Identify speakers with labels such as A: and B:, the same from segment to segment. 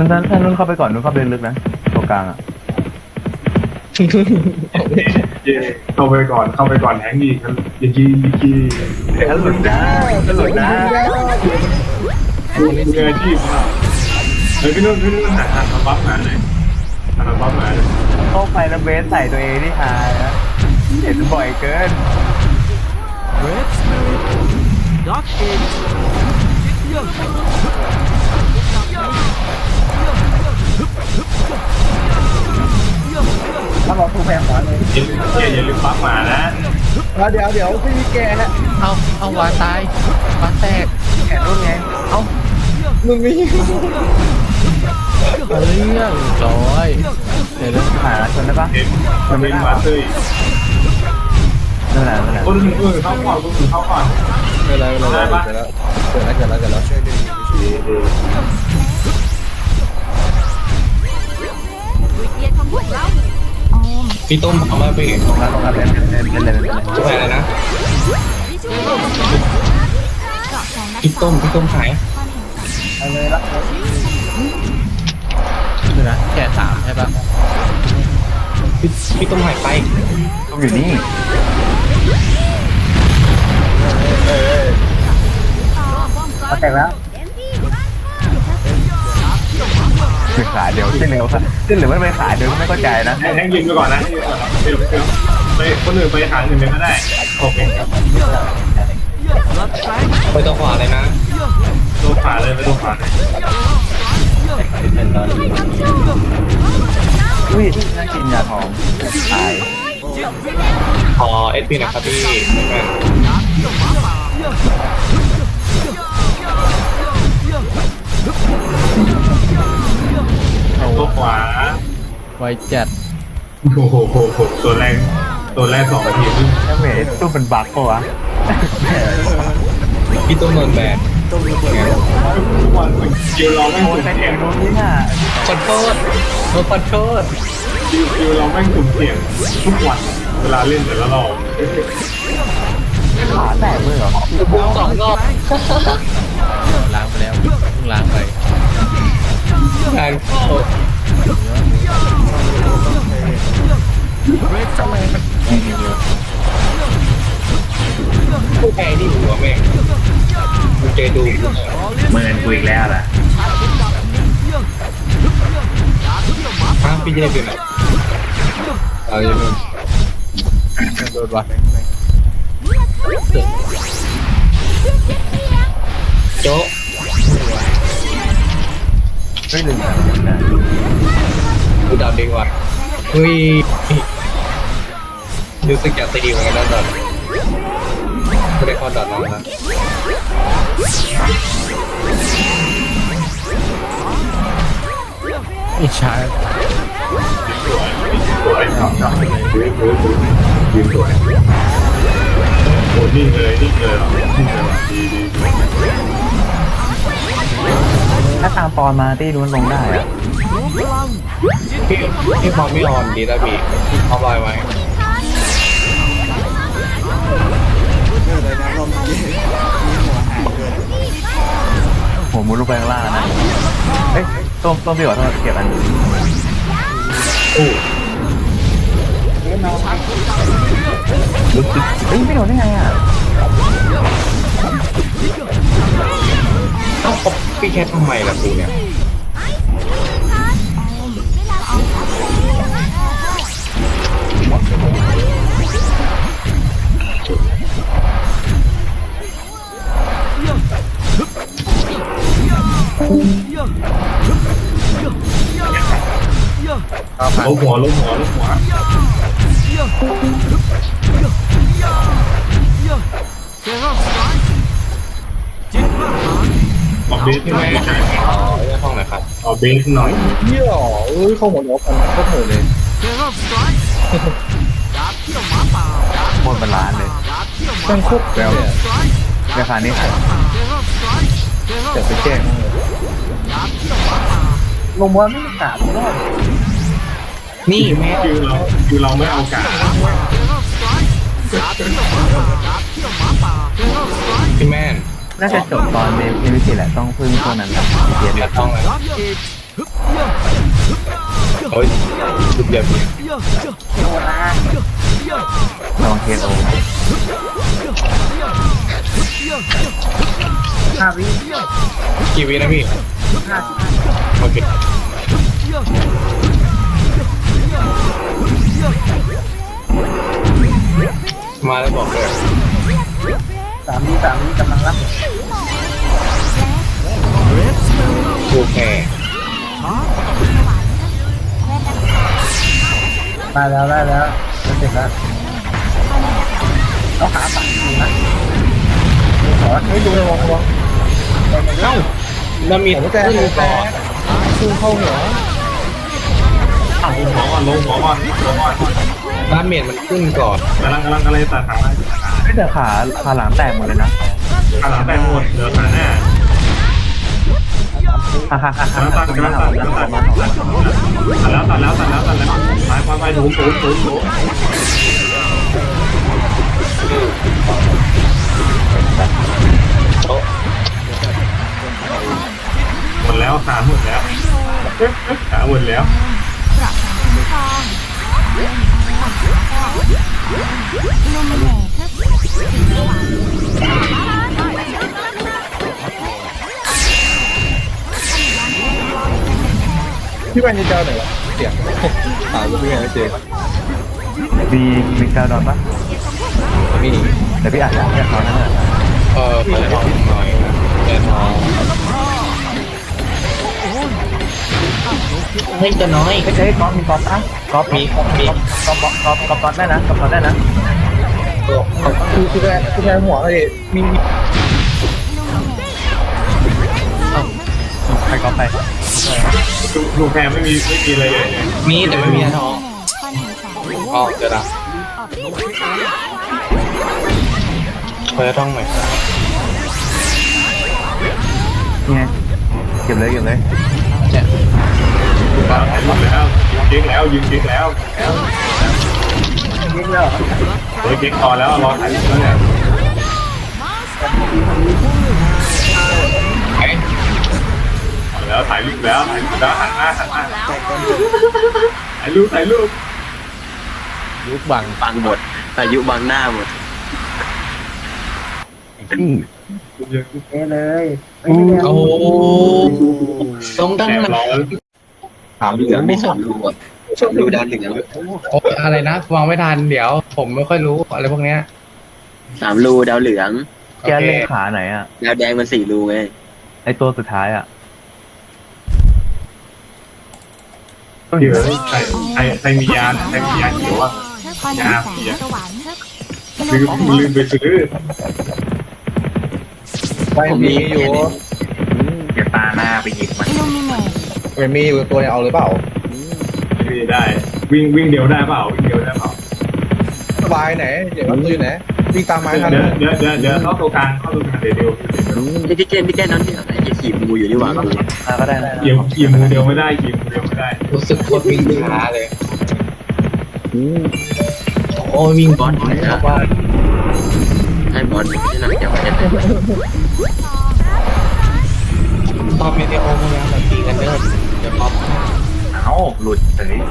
A: นุ่นเข้าไปก่อนนุ่นเข้าไปลึกนะตัวกลางอ่ะ
B: เข้าไปก่อนแทงอีกอย่างกี้
A: แล้วหลุดได้หลุดได้
B: มืออาชีพมากพี่นุ่นหาบัฟหาหน่อยหาบัฟหาหน่อย
A: เข้าไปแล้วเบสใส่ตัวเองที่หายนะเห็นบ่อยเกิน
C: Red Spirit Dark Age
D: ถ้าเราถูกแพงขวาเลย
B: อย่าลืมบัฟหมานะ
D: เดี๋ยวไม่มีแกฮะ
E: เอาวาตายวาแตก
A: แขนรุ่นไง
D: มึงมี
E: เรื่องร้อยเดี๋ยวนะ
A: หาชนได้ปะ
B: เห็นมันเป็นมาเตอร์
A: นั่นแหละนั่นแหละ
B: คนอื่นเข้าก่อน
D: ไม่ไรเกิดแล้วเกิดแล้ว
F: พี่ต้มเอามาพี่
A: ตรงนั้นเล่น
F: ช่วยอะไรนะพี่ต้มขาย
D: อะไรละ
E: เดี๋ยวนะแก่3ใช่ปะ
F: พี่ต้มหายไป
A: ต้องอยู่นี่
D: แตกแล้ว
A: คือขาเดียวที่เหลือที่เหลือไม่ไปขาเดียวไม่เข้าใจนะ
B: แทงยิงไปก่อนนะไปคนอื่นไปทางอื่นไปก็ได้โอเค
C: Blood Strike
F: ไปตัวขวาเลยนะ
B: ดูขวาเลยไปดูขวาเลย
A: อุ้ยน่ากินยาทองตาย
F: ขอเอสพีนะครับพี่แม่
B: ตัวขวา
E: ไวจัด
B: โอ้โหตัวแรก2 นาทีนึง
A: แล้วเมย์ตู้เป็นบั๊กปะวะ
F: พี่ต้มโดนแบน
B: ทุกวันคิวเราแม่ง
A: โอ้ย
B: สุ่ม
A: แต่
B: เสี่
A: เอย
B: ง
A: งนู้นนี่น่ะ
E: ขอโทษขอโทษ
B: คิวเราแม่งสุ่มเสี่ยงทุกวันเวลาเล่นแต่ละรอบ
A: ขาแตกเลยเหรอ
E: 2 รอบล้างไปแล้วเพิ่งล้างไป
F: งานเข้า
C: Red Spirit
F: ผู้แพ้นี่หัวแม่งดูเจดู
B: เมินกูอีกแล้วล่ะ
F: พี่เจเป็นไหนเอาอย่างนึง
E: โดนวะ
F: โจ๊ะ
A: ไม่ลืมนะ
F: ดูดาวเด้งว่ะเฮ้ยรู้สึกอยากตีเหมือนกันนะดอทไม่ได้เข้าดอทแล้วนะ
E: อิจฉา
B: สวยยืนสวยโอ้นิ่งเลยดี
A: ถ้าตามปอนมาตี้นู้นลงได้อะ
C: รวมพลัง
F: พี่พอไม่ออนดีแล้วพี่เอาไว้ไว้
A: หัวมุดลงไปข้างล่างนะเฮ้ยต้มพี่ขอโทษเก็บอันนี้
F: อู้
A: เฮ้ยไม่โดนได้ไงอ่ะ
F: เอ้าพี่แคททำไมล่ะกูเนี่ย
B: ล้มหัว
C: เซรั่มสไตร์จิตประหาร
B: บอกเบส
F: พี่
B: หน่
F: แม่
B: อย
F: เรื่องห้องไหนครับ
B: เอาเบสหน่อย
D: เหี้ยเข้าหัวล้อกันโคตรโหดเลย
C: เซรั่มสไตร์ดาบเที่ยวหมาป่า
A: หมดเป็นล้านเลย
C: ดาบเที่ยวหมา
D: แม่งโค
C: ป่า
D: ตร
A: แล้ว
C: สไตร์
A: ราคานี้ขาย
C: เซรั่มสไตร์เซรั่ม
A: เดี๋ยวไปแจ้ง
C: ดาบเที่ยวหมาป่า
D: ลงมาไม่กล้าไม่รอด
F: นี่แม่
B: คิวเราไม่เอากา
C: เซรั่มสไตร์ดาบเที่ยวหมาป่าดาบเที่ยวหมาป่าเซรั่มสไตร์
F: พี่แม่น
A: น่าจะจบตอนเดวิสิแหละต้องพึ่งพวกนั้นครับ
F: เดี๋ยวต้องเลย
C: ดาร์กเอจ
F: โอ้ยสุดเดียว
A: ลองเทโอ
D: 5 วิ
F: กี่วินะพี่
D: 50
F: โอเคมาแล้วบอกเลย
D: 3 วิกำลังรับ
F: กูแค่
D: ได้แล้วจะเสร็จแล้วเอาขาปัดดูนะขอให้ดูระวังเอ้า
F: แล้วมี
D: หัวใจพุ่งเข้าหัว
B: ลงหัวก่อนลงหัวก่อนลงก่อน
F: ดาเมจมันขึ้นก่อน
B: กำลังอะไรตัดขา
A: ไม่แต่ขาหลังแตกหมดเลยนะ
B: ขาหลังแตกหมดเหลือขาหน้า
A: ฮ่าฮ่าฮ่าฮ่าก
B: ำลังตัดแล้วตัดแล้วไปถูหมดแล้วขาหมดแล้วขาหมดแล้ว
D: พี่แวนจะเจอไหนวะเสียงหาพี่แวนไม่เจอ
A: มีกาวดอนปะ
F: มี
A: แต่พี่อ่านแค่เขานั่นแหละ
F: เปิดทองหน่อยนะเปิดทอง
E: เฮ้ยตัวน้อย
A: ไม่ใช่ก๊อฟมีก๊อฟนะก๊อฟก๊อฟได้นะก๊อฟได้นะ
D: คือแทนหัวเลยมี
A: ไปก๊อฟไป
B: ลูกแพรไม่มีอะไรเลย
F: มีแต่ไม่มีทองอ๋อเจอละเปิดทองหน่อย
A: นี่ไงเก็บเลย
F: เนี่ย
B: ถ่ายรูปแล้วยิงเก๊กแล้ว
D: ยิงแล้ว
B: เฮ้ยเก๊กพอแล้วรอถ่ายรูปแล้วเนี่ย
F: ไอ้
B: แล้วถ่ายรูปแล้วหันหน้าถ่ายรูป
E: ยุคบัง
C: บังหมดอายุบังหน้าหมด
D: เลย
F: โอ้ตรงตั้ง
B: แอบ
F: นั้น
B: รอ
C: ถามเหลืองไม่สนรู้สนรู้ด้านเหลือง
F: โอ้อะไรนะมองไม่ทันเดี๋ยว ผมไม่ค่อยรู้อะไรพวกเนี้ย
C: 3 รูดาวเหลือง
A: แกเล่นขาไหนอ่ะ
C: ดาวแดงมัน4 รูไง
A: ไอตัวสุดท้ายอ่ะ
B: เดี๋ยวใครมียาเขียวอ่ะยาลืมไปซื้อ
D: ไปมีอยู่
A: อย่าตาหน้าไปหยิบมัน
D: มันมีอยู่ตัวเนี่ยเอาเลยเปล่า
B: ไม่ได้วิ่งเดียวได้เปล่า
D: สบายไหนเดี๋ยวอยู่ไหนวิ่งตามไม้ทัน
B: เดี๋ยวเข้าตัวกลางเดี๋ยว
C: พี่แก้นั้นที่ไหนจะขี่งูอยู่นี่หว่า
A: ก็ได้นะ
B: ขี่มูเดียวไม่ได้
F: รู้สึกโคตรวิ่งช้าเลยโอ้วิ่งบอลครับว่า
C: ให้บอลที่นั่งจะมาจะเป็น
F: ตอนเมเดโอพวกนี้แบบตีกันเดินเดี๋ยวพอ
A: เอ้าหลุดเฉย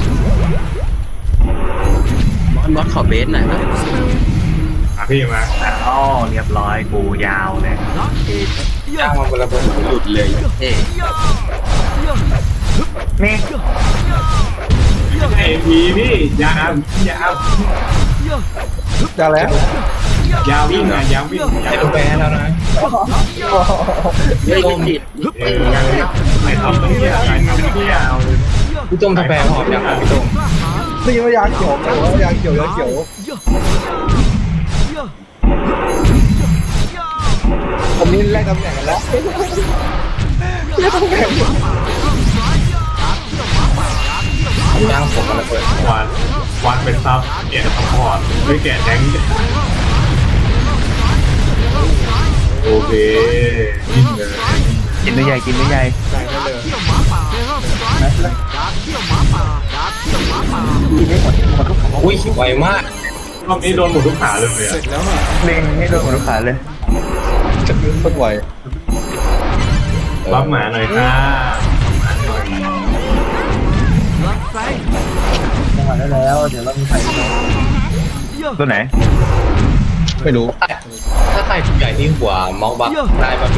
C: บอลขอเบสหน่อยนะ
B: พี่มา
A: เอ้าเรียบร้อยกูยาวเลย
F: จ้างมาเป็นระเบิด
C: หลุดเลยเท่
A: นี่
B: ไอ้พี่ยา
D: จะแล้ว
B: วิ่ง
F: ไอ้ลูกแพ้แล้วนะ
C: เฮ้ยติด
B: ไม่ทำเนี่ย
F: พี่ต้มทำแพ้หอมยังพี่ต้ม
D: นี่ว่ายาเขียวแต่ว่ายาเขียวยาเขียวผมนี่แลกตำแหน่งกันแล้วแลกตำแหน่ง
F: จ้างผมมาระเบิด
B: วันเป็นซับแกะซัพพอร์ตไม่แกะแทงโอเคยิงเลย
A: กินไม่ใหญ่กินไม่ใหญ่
F: อุ้ยไวมาก
B: รอบนี้โดนหมดทุกขาเลยอ่ะ
A: เล็งให้โดนหัวขาเลย
D: จะขึ้นโคตรไว
B: รับหมาหน่อยค่ะ
D: จังหวะได้แล้วเดี๋ยวเรามีใครอีกไหม
A: ตัวไหน
E: ไม่รู้
F: ถ้าใครถูกใหญ่ที่หัวมองบักได้มาปี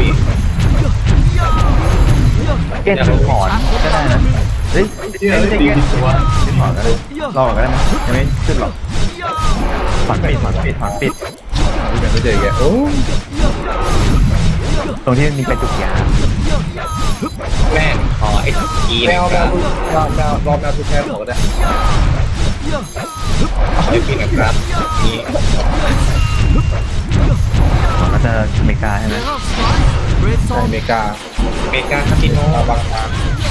A: เกตถอนก็ได้นะเฮ้ย
B: ที่
A: ไม่
B: เอ้ย
A: ใช่
B: ตี
A: เกต
B: ตัว
A: ถอนก็ได้รอก่อนก็ได้ไหมยังไม่ขึ้นหรอกถอนปิด
E: ไม่เจอแกโอ้
A: ตรงที่มีกระจุกยา
F: แม่งขอไอ้กี
E: แม
F: นะ
E: ว
F: ค
E: แม
F: รั
E: ว
F: บ
E: รอแมวทุกแค่หัวก็ได้
F: ไอ้ปีนะครับนี่
A: ก็จะอเมริกาใช่ไหม
E: อเมริกา
F: อเมริกาคาสิโน
E: บางทาง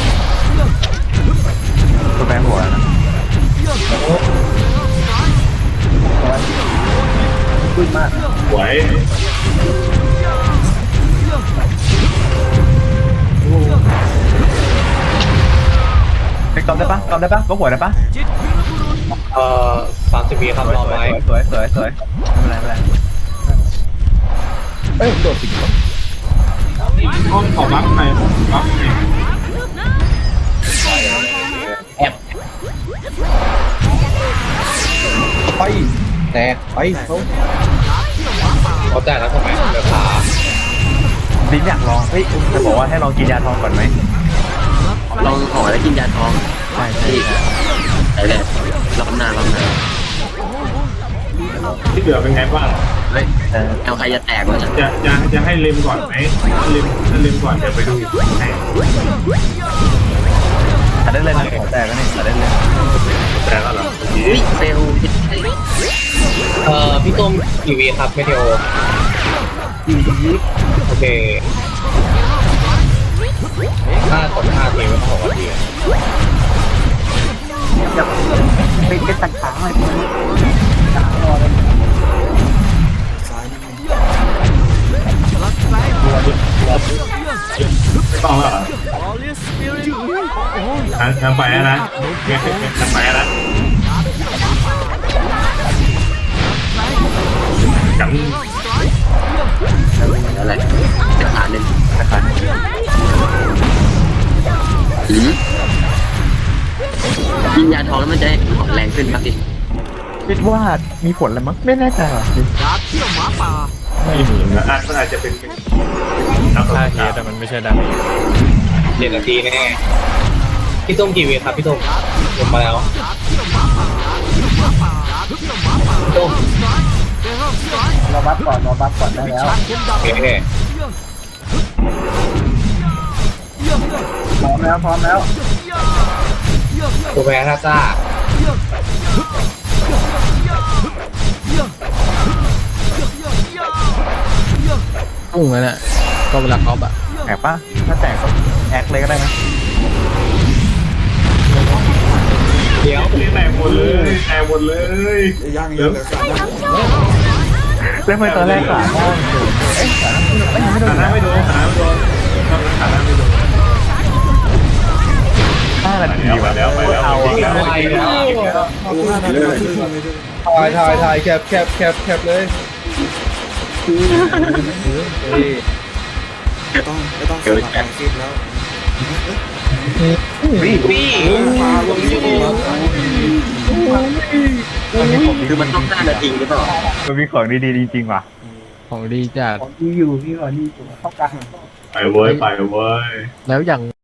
A: ตัวแปรหัวนะ
D: ขึ้นมาก
B: หวย
A: ไปกอมได้ปะกอมได้ปะก็หัวได้ปะ
F: 30 ปีครับรอไว้
A: สวยไม่เป็นไร
E: เอ้ยโดดติด
B: ห้องขอบัฟหน่อยบัฟหน่อย
E: ไปแตกไปเขา
F: เขาแต่แล้วทำไมเดี๋ยวขา
A: ลิ้นอยากลองเฮ้ยจะบอกว่าให้ลองกินยาทองก่อนไหม
C: ลองขอแล้วกินยาทอง
A: ใช่
C: ใช่แหละรอบหน้ารอบหน้า
B: ที่เหลือเป็นไงบ้าง
C: เฮ้ยเอาใครจะแตกวะเนี่ย
B: จะให้เลมก่อนไหมถ้าเลมก่อนเดี๋ยวไปดูให้
A: ตัดได้เลยนะขอแตกก็นี่ตัดได้เลย
B: แต่แล้วเหรอ
C: อุ้ยเฟลพิษ
F: พี่ต้มกี่วีครับไม่เดียวโอเคถ้าตก5 ทีไม่ต้อง6 นาที
D: เป็นตัดขาหน่อยพี่ขารอเลย
B: ต้องแล้วเหรอทางไปแล้วนะทางไปแล้วกัน
C: อะไรเป็นฐานหนึ่ง
A: นะครับ
C: กินยาทองแล้วมันจะได้ของแรงขึ้นครับดิ
A: คิดว่ามีผลอะไรมั้งไม่แน่ใจหรอก
B: ไม่มีนะมันอาจจะเป็นนัก
E: ถ้า
B: ศึก
E: เฮ
B: ษา
E: ดมันไม่ใช่ดาเมจ
F: 7 นาทีแน่พี่ต้มกี่วีครับพี่ต้มลงมาแล้วต้ม
D: รอบัฟก่อนได้แล้ว
F: โอเค
D: พร้อมแล้ว
F: ตัวแพ้ท่าซ่า
E: พุ่งนั่นแหละก็เวลาเขาแบบ
A: แตกปะถ้าแตกก็แอคเลยก็ได้นะ
F: เดี๋ยว
B: แตกหมดเลยย่างเยอะ
A: เล่นไปตอนแรกขาหน้าเอ๊ะขาหน้าไม่โดน
B: ขาไม่โดนขาไม่โดน
A: 5 นาทีว่ะ
B: ไปแล้ว
A: เอาอะ
F: ไวแล้ว
E: ถ่ายแคปเลย
C: เกิดแตก
A: วิ่ง
F: พี่
C: คือมันต้อง5 นาทีหรือเปล่า
A: มันมีของดีๆจริงๆว่ะ
E: ของดีจัด
D: ของดีอยู่พี่ก่อนดีอยู่เข้ากลาง
B: ไปเว้ย
E: แล้วอย่าง